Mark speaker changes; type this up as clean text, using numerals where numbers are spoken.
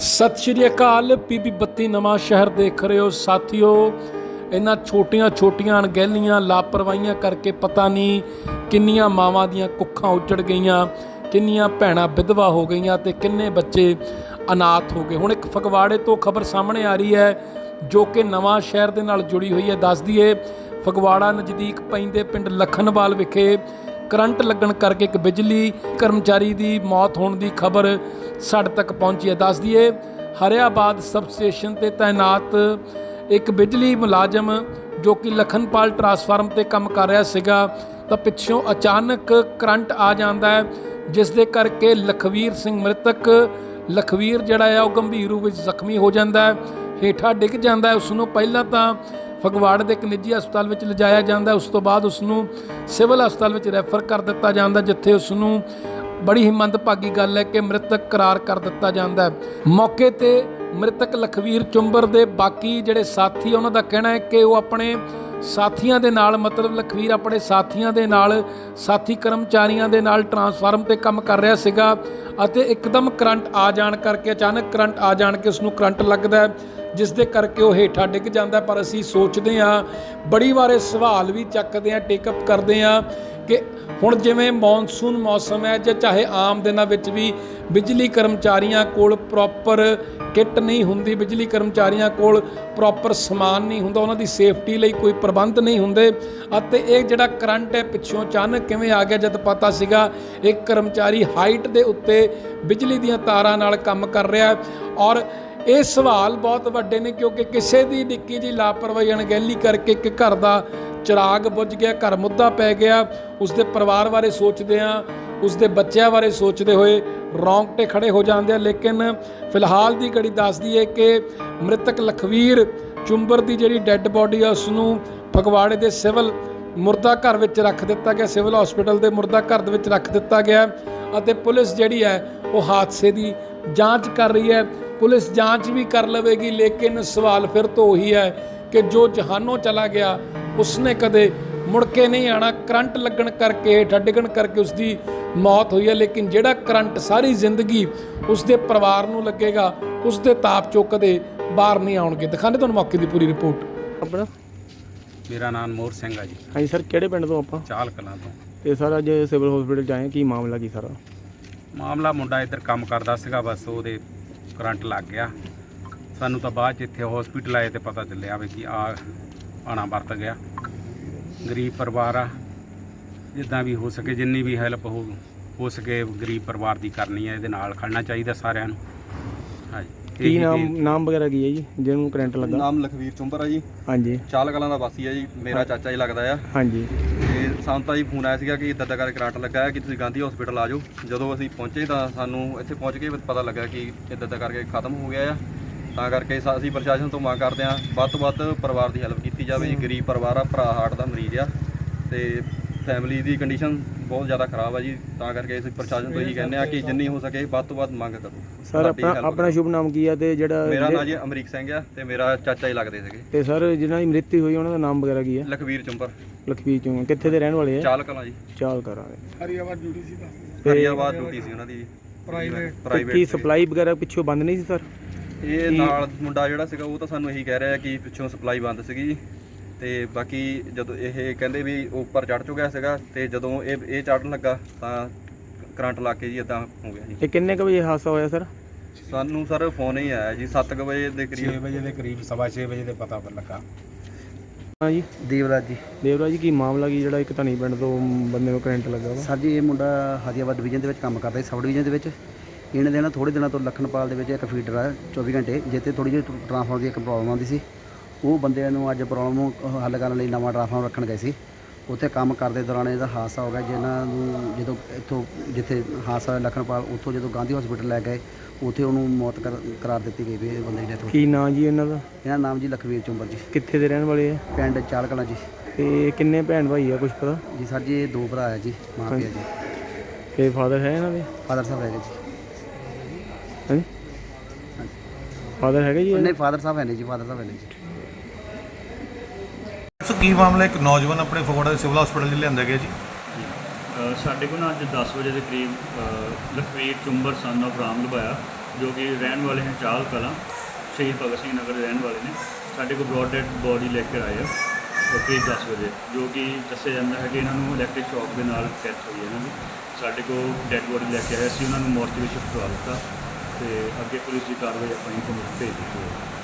Speaker 1: सत श्री अकाल। पीबी 32 नवां शहर देख रहे हो साथियों। इन्हां छोटियां छोटियां अणगहलियां लापरवाहियां करके पता नहीं किन्नियां मावां दियां कुੱਖਾਂ उजड़ गईयां, किन्नियां भैणां विधवा हो गईयां ते किन्ने बच्चे अनाथ हो गए। हुण एक फगवाड़े तो खबर सामने आ रही है जो कि नवां शहर दे नाल जुड़ी हुई है। दस दईए फगवाड़ा नज़दीक पैंदे पिंड लखनवाल विखे करंट लगन करके एक बिजली कर्मचारी की मौत होने की खबर साढ़े तक पहुँची है। दस दईए हरियाबाद सब स्टेशन पर तैनात एक बिजली मुलाजम जो कि लखनपाल ट्रांसफार्म पर काम कर रहा सीगा तो पिछों अचानक करंट आ जाता है, जिस दे करके लखवीर सिंह मृतक लखवीर जिहड़ा है वह गंभीर रूप में जख्मी हो जाता है, हेठा डिग जाता है। उसनों पहला तो फगवाड़े के एक निजी हस्पताल में लिजाया जाता है, उस तो बाद उसनों सिविल हस्पताल में रैफर कर दिता जाता है, जिथे उसनों बड़ी ही मंदभागी गल है कि मृतक करार कर दिता जाता है। मौके पर मृतक लखवीर चुंबर के बाकी जिहड़े साथी उन्हों का कहना है कि वो अपने साथियों के नाल मतलब लखवीर अपने साथियों के नाल साथी कर्मचारियों के नाल ट्रांसफार्म पर काम कर रहा सीगा अते एकदम करंट आ जाण करके अचानक करंट आ जाण के उसनों करंट लगता है, जिस दे करके वो हेठा डिग जाता है। पर असीं सोचते हैं बड़ी वारे सवाल भी चकते हैं, टेकअप करते हैं कि हुण जिवें मॉनसून मौसम है जो चाहे आम दिनों में भी बिजली कर्मचारियों कोल प्रॉपर किट नहीं हुंदी, बिजली कर्मचारियों कोल प्रॉपर समान नहीं हुंदा, उन्हां दी सेफ्टी लई कोई प्रबंध नहीं हुंदे अते इह जिहड़ा करंट है पिछों अचानक किवें आ गया जद पता सीगा एक कर्मचारी हाइट दे उत्ते बिजली दीयां तारां नाल काम कर रहा है। और ये सवाल बहुत वड्डे ने क्योंकि किसी की निक्की जी लापरवाही अणगहली करके एक घर का चिराग बुझ गया, घर मुद्दा पै गया। उसके परिवार बारे सोचते हैं, उसके बच्चों बारे सोचते हुए रोंगटे खड़े हो जाते हैं। लेकिन फिलहाल की घड़ी दसदी है कि मृतक लखवीर चुंबर की जी डैड बॉडी है उसनों फगवाड़े के सिविल मुर्दा घर में रख दिता गया, सिविल हॉस्पिटल के मुर्दा घर में रख दिता गया और पुलिस जी है वो हादसे की जाँच कर रही है। पुलिस जांच भी कर लवेगी, लेकिन सवाल फिर तो वही है कि जो जहानों चला गया उसने कदे मुड़ के नहीं आना। करंट लगन करके हेठा डिगन करके उसकी मौत हुई है, लेकिन जिहड़ा करंट सारी जिंदगी उसके परिवार नूं लगेगा उसके ताप चों कदे बाहर नहीं आउणगे। दिखाने तुहानूं मौके की पूरी रिपोर्ट।
Speaker 2: अपना
Speaker 3: मेरा नाम मोर सिंह है जी।
Speaker 2: हाँ जी सर, किहड़े पिंड तो आप?
Speaker 3: चाल कलां तो।
Speaker 2: ते सर अज सिविल हॉस्पिटल आए की मामला की सारा?
Speaker 3: मामला मुंडा इधर काम करता सीगा, बस ਉਹਦੇ करंट लग गया। सानू तो बाद इत्थे हॉस्पिटल आए तो पता चलिया भी कि आना वरत गया। गरीब परिवार आ, जिद्दां भी हो सके जिन्नी भी हैल्प हो सके गरीब परिवार की करनी है, ये नाल खड़ना चाहिए सारिਆਂ ਨੂੰ। हाँ जी।
Speaker 2: की नाम वगैरह की है जी जिन्होंने करंट लगा?
Speaker 4: नाम लखवीर चुंबर है जी।
Speaker 2: हाँ जी।
Speaker 4: चाल कलां ਦਾ ਵਾਸੀ ਹੈ ਜੀ, ਮੇਰਾ ਚਾਚਾ ਜੀ ਲੱਗਦਾ ਆ।
Speaker 2: हाँ जी।
Speaker 4: ਤੇ ਸਾਨੂੰ ਤਾਂ ਜੀ ਫੋਨ ਆਇਆ ਸੀਗਾ ਕਿ ਇੱਦਾਂ ਦਾ ਕਰਕੇ ਕਰੰਟ ਲੱਗਾ ਹੈ ਕਿ ਤੁਸੀਂ ਗਾਂਧੀ ਹਸਪੀਟਲ ਆ ਜਾਓ। ਜਦੋਂ ਅਸੀਂ ਪਹੁੰਚੇ ਤਾਂ ਸਾਨੂੰ ਇੱਥੇ ਪਹੁੰਚ ਕੇ ਪਤਾ ਲੱਗਾ ਕਿ ਇੱਦਾਂ ਦਾ ਕਰਕੇ ਖਤਮ ਹੋ ਗਿਆ ਆ। ਤਾਂ ਕਰਕੇ ਅਸੀਂ ਪ੍ਰਸ਼ਾਸਨ ਤੋਂ ਮੰਗ ਕਰਦੇ ਹਾਂ ਵੱਧ ਤੋਂ ਵੱਧ ਪਰਿਵਾਰ ਦੀ ਹੈਲਪ ਕੀਤੀ ਜਾਵੇ ਜੀ। ਗਰੀਬ ਪਰਿਵਾਰ ਆ, ਭਰਾ ਹਾਰਟ ਦਾ ਮਰੀਜ਼ ਆ ਤੇ ਫੈਮਿਲੀ ਦੀ ਕੰਡੀਸ਼ਨ ਬਹੁਤ ਜ਼ਿਆਦਾ ਖਰਾਬ ਆ ਜੀ। ਤਾਂ ਕਰਕੇ ਅਸੀਂ ਪ੍ਰਸ਼ਾਸਨ ਤੋਂ ਇਹੀ ਕਹਿੰਦੇ ਆ ਕਿ ਜਿੰਨੀ ਹੋ ਸਕੇ ਵੱਧ ਤੋਂ ਵੱਧ ਮੰਗ ਕਰੋ।
Speaker 2: ਸਰ ਆਪਣਾ ਸ਼ੁਭ ਨਾਮ ਕੀ ਆ ਤੇ ਜਿਹੜਾ?
Speaker 4: ਮੇਰਾ ਨਾਮ ਜੀ ਅਮਰੀਕ ਸਿੰਘ ਆ ਤੇ ਮੇਰਾ ਚਾਚਾ ਜੀ ਲੱਗਦੇ ਸੀਗੇ।
Speaker 2: ਤੇ ਸਰ ਜਿਨ੍ਹਾਂ ਦੀ ਮ੍ਰਿਤੂ ਹੋਈ ਉਹਨਾਂ ਦਾ ਨਾਮ ਵਗੈਰਾ ਕੀ ਹੈ?
Speaker 4: ਲਖਵੀਰ ਚੁੰਬਰ।
Speaker 2: ਲਖਵੀਰ ਚੁੰਬਰ ਕਿੱਥੇ ਦੇ ਰਹਿਣ ਵਾਲੇ ਆ?
Speaker 4: ਚਾਲ ਕਲਾਂ ਜੀ।
Speaker 2: ਚਾਲ ਕਰਾਂਗੇ।
Speaker 4: ਹਰੀਆਬਾਦ ਡਿਊਟੀ ਸੀ ਉਹਨਾਂ ਦੀ ਪ੍ਰਾਈਵੇਟ।
Speaker 2: ਕੀ ਸਪਲਾਈ ਵਗੈਰਾ ਪਿੱਛੋਂ ਬੰਦ ਨਹੀਂ ਸੀ ਸਰ?
Speaker 4: ਇਹ ਨਾਲ ਮੁੰਡਾ ਜਿਹੜਾ ਸੀਗਾ ਉਹ ਤਾਂ ਸਾਨੂੰ ਇਹੀ ਕਹਿ ਰਿਹਾ ਕਿ ਪਿੱਛੋਂ ਸਪਲਾਈ ਬੰਦ ਸੀਗੀ ਜੀ। ਤੇ ਬਾਕੀ ਜਦੋਂ ਇਹ ਕਹਿੰਦੇ ਵੀ ਉੱਪਰ ਚੜ੍ਹ ਚੁੱਕਿਆ ਸੀਗਾ ਤੇ ਜਦੋਂ ਇਹ ਚੜ੍ਹਨ ਲੱਗਾ ਤਾਂ ਕਰੰਟ ਲੱਗ ਕੇ ਜੀ ਇਦਾਂ ਹੋ ਗਿਆ ਜੀ।
Speaker 2: ਇਹ ਕਿੰਨੇ ਕੁ ਵਜੇ ਹਾਦਸਾ ਹੋਇਆ ਸਰ?
Speaker 4: ਸਾਨੂੰ ਸਰ ਫੋਨ ਹੀ ਆਇਆ ਜੀ 7 ਵਜੇ ਦੇ ਕਰੀਬ,
Speaker 3: 6 ਵਜੇ ਦੇ ਕਰੀਬ, 6:15 ਵਜੇ ਦੇ ਪਤਾ ਲੱਗਾ।
Speaker 2: ਹਾਂ ਜੀ।
Speaker 5: ਦੇਵਰਾਜ ਜੀ।
Speaker 2: ਦੇਵਰਾਜ ਜੀ, ਕੀ ਮਾਮਲਾ ਕੀ ਜਿਹੜਾ ਇੱਕ ਧਨੀ ਪਿੰਡ ਤੋਂ ਬੰਦੇ ਨੂੰ ਕਰੰਟ ਲੱਗਾ ਵਾ?
Speaker 5: ਸਰ ਜੀ ਇਹ ਮੁੰਡਾ ਹਰੀਆਬਾਦ ਡਿਵੀਜ਼ਨ ਦੇ ਵਿੱਚ ਕੰਮ ਕਰਦਾ ਸੀ, ਸਬ ਡਿਵੀਜ਼ਨ ਦੇ ਵਿੱਚ। ਇਹਨੇ ਦੇ ਨਾ ਥੋੜ੍ਹੇ ਦਿਨਾਂ ਤੋਂ ਲਖਨਪਾਲ ਦੇ ਵਿੱਚ ਇੱਕ ਫੀਡਰ ਆ 24 ਘੰਟੇ ਜਿੱਥੇ ਥੋੜ੍ਹੀ ਜਿਹੀ ਟਰਾਂਸਫਾਰਮਰ ਦੀ ਇੱਕ ਪ੍ਰੋਬਲਮ ਆਉਂਦੀ ਸੀ। ਉਹ ਬੰਦਿਆਂ ਨੂੰ ਅੱਜ ਪ੍ਰੋਬਲਮ ਨੂੰ ਹੱਲ ਕਰਨ ਲਈ ਨਵਾਂ ਟਰਾਂਸਫਾਰਮਰ ਰੱਖਣ ਗਏ ਸੀ। ਉੱਥੇ ਕੰਮ ਕਰਦੇ ਦੌਰਾਨ ਇਹਦਾ ਹਾਦਸਾ ਹੋ ਗਿਆ, ਜਿਨ੍ਹਾਂ ਨੂੰ ਜਦੋਂ ਇੱਥੋਂ ਜਿੱਥੇ ਹਾਦਸਾ ਹੋਇਆ ਲਖਨਪਾਲ ਉੱਥੋਂ ਜਦੋਂ ਗਾਂਧੀ ਹਸਪੀਟਲ ਲੈ ਗਏ ਉੱਥੇ ਉਹਨੂੰ ਮੌਤ ਕਰਾਰ ਦਿੱਤੀ ਗਈ ਵੀ ਇਹ ਬੰਦੇ ਦੀ ਡੈਥ ਹੋ ਗਈ।
Speaker 2: ਕੀ ਨਾਂ ਜੀ ਇਹਨਾਂ ਦਾ?
Speaker 5: ਇਹਨਾਂ ਨਾਮ ਜੀ ਲਖਵੀਰ ਚੁੰਬਰ ਜੀ।
Speaker 2: ਕਿੱਥੇ ਦੇ ਰਹਿਣ ਵਾਲੇ ਆ?
Speaker 5: ਪਿੰਡ ਚਾਲ ਕਲਾਂ ਜੀ।
Speaker 2: ਤੇ ਕਿੰਨੇ ਭੈਣ ਭਾਈ ਆ ਕੁਛ ਪਤਾ
Speaker 5: ਜੀ? ਸਰ ਜੀ ਇਹ 2 ਭਰਾ ਹੈ ਜੀ, ਮਾਂ ਪਿਓ ਜੀ।
Speaker 2: ਤੇ ਫਾਦਰ ਹੈ ਇਹਨਾਂ ਦੇ?
Speaker 5: ਫਾਦਰ ਸਾਹਿਬ ਹੈਗੇ ਜੀ।
Speaker 2: ਹਾਂਜੀ ਫਾਦਰ ਹੈਗੇ ਜੀ?
Speaker 5: ਨਹੀਂ ਫਾਦਰ ਸਾਹਿਬ ਹੈ ਨਹੀਂ ਜੀ, ਫਾਦਰ ਸਾਹਿਬ ਹੈ ਨਹੀਂ ਜੀ।
Speaker 6: ਸੋ ਕੀ ਮਾਮਲਾ? ਇੱਕ ਨੌਜਵਾਨ ਆਪਣੇ ਫਗਵਾੜਾ ਦੇ ਸਿਵਲ ਹਸਪੀਟਲ 'ਚ ਲਿਆਂਦਾ ਗਿਆ ਜੀ।
Speaker 7: ਸਾਡੇ ਕੋਲ ਨਾ ਅੱਜ 10 ਵਜੇ ਦੇ ਕਰੀਬ ਲਖਵੀਰ ਚੁੰਬਰ ਸਨ ਆਫ ਰਾਮ ਲਵਾਇਆ ਜੋ ਕਿ ਰਹਿਣ ਵਾਲੇ ਹਨ ਚਾਹਲ ਕਲਾਂ, ਸ਼ਹੀਦ ਭਗਤ ਸਿੰਘ ਨਗਰ ਦੇ ਰਹਿਣ ਵਾਲੇ ਨੇ। ਸਾਡੇ ਕੋਲ ਬ੍ਰੌਡ ਡੈਡ ਬੋਡੀ ਲੈ ਕੇ ਆਏ ਆ ਕਰੀਬ 10 ਵਜੇ, ਜੋ ਕਿ ਦੱਸਿਆ ਜਾਂਦਾ ਹੈ ਕਿ ਇਹਨਾਂ ਨੂੰ ਇਲੈਕਟ੍ਰਿਕ ਸ਼ੌਕ ਦੇ ਨਾਲ ਡੈਥ ਹੋਈ ਹੈ ਇਹਨਾਂ ਦੀ। ਸਾਡੇ ਕੋਲ ਡੈਡ ਬੋਡੀ ਲੈ ਕੇ ਆਏ ਸੀ, ਉਹਨਾਂ ਨੂੰ ਮੋਰਚੇ ਵਿੱਚ ਸ਼ਿਫਟ ਕਰਵਾ ਦਿੱਤਾ ਤੇ ਅੱਗੇ ਪੁਲਿਸ ਦੀ ਕਾਰਵਾਈ ਆਪਾਂ ਇਨਫੋਰਮੇਸ਼ਨ ਭੇਜ ਦਿੱਤੀ ਹੈ।